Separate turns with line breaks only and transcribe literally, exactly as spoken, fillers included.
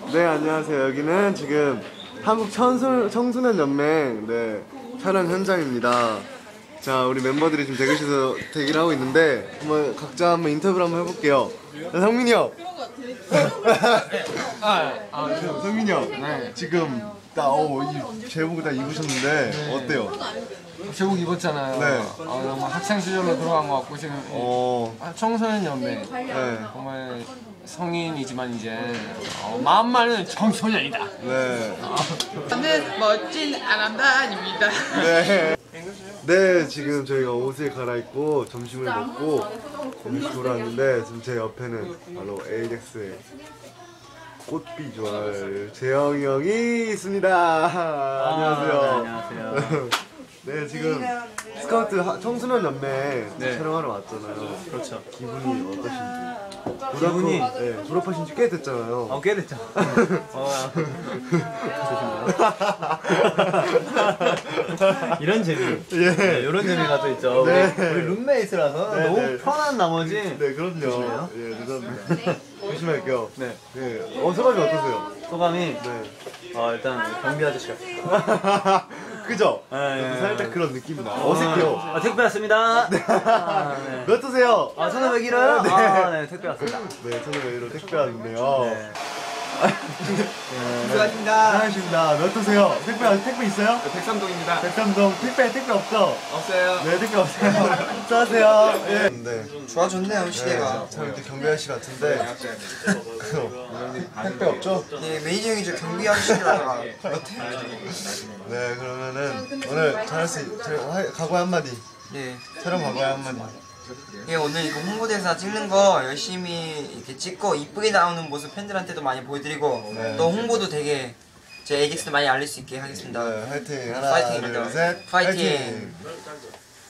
네, 안녕하세요. 여기는 지금 한국 청소, 청소년 연맹 네, 촬영 현장입니다. 자, 우리 멤버들이 지금 대기실에서 대기를 하고 있는데 한번 각자 한번 인터뷰를 한번 해볼게요. 자, 성민이 형. 아, 아, 저, 성민이 형. 네. 지금 딱 어, 이 제복을 다 입으셨는데 네. 어때요?
제복 입었잖아요. 네. 아, 정말 학창 시절로 돌아간 것 같고 지금 어... 청소년 연맹. 네. 정말 성인이지만 이제 어, 마음만은 청소년이다. 네.
저는 멋진 아람단입니다.
네. 네, 지금 저희가 옷을 갈아입고 점심을 먹고 다시 돌아왔는데 지금 제 옆에는 바로 에이젝스의 꽃 비주얼 재영이 형이 있습니다. 아, 안녕하세요.
네, 안녕하세요.
네, 지금 스카우트 하, 청소년 연맹
네.
촬영하러 왔잖아요.
그렇죠.
기분이 어떠신지?
기분이
네, 졸업하신 지 꽤 됐잖아요.
어, 꽤 됐죠. 어, 이런 재미,
예.
네, 이런 재미가 또 있죠.
네.
우리, 우리 룸메이트라서
네,
너무
네.
편한 나머지.
네, 그럼요.
조심해요.
예, 죄송합니다. 조심할게요.
네.
네, 어, 소감이 어떠세요?
소감이
네.
어, 일단 경비 아저씨 같아요.
그죠?
네, 네.
살짝 그런 느낌이 나. 어색해요.
아, 택배 왔습니다. 네. 아, 네.
몇 도세요?
아, 저는 왜 길어요?
네.
아, 네, 택배 왔습니다.
네, 저는 외로 택배 왔는데요.
네.
수고하십니다. 수고하십니다. 몇 도세요? 택배, 택배 있어요?
백삼동입니다.
백삼동 택배, 택배 없죠?
없어요.
네, 택배 없어요. 수고하세요. 예. 네.
좋아졌네요, 시대가.
참 이렇게 경비 아저씨 같은데. 택배 없죠?
네, 매니저 형이 저 경비 아저씨라가
네, 그러면은 오늘 잘할 수, 있, 잘, 각오의 한마디.
네.
촬영 각오의 한마디.
예, 오늘 이거 홍보대사 찍는 거 열심히 이렇게 찍고 이쁘게 나오는 모습 팬들한테도 많이 보여드리고
네.
또 홍보도 되게 제 에이젝스도 많이 알릴 수 있게 하겠습니다.
네, 화이팅. 하나,
파이팅입니다.
둘, 셋.
파이팅.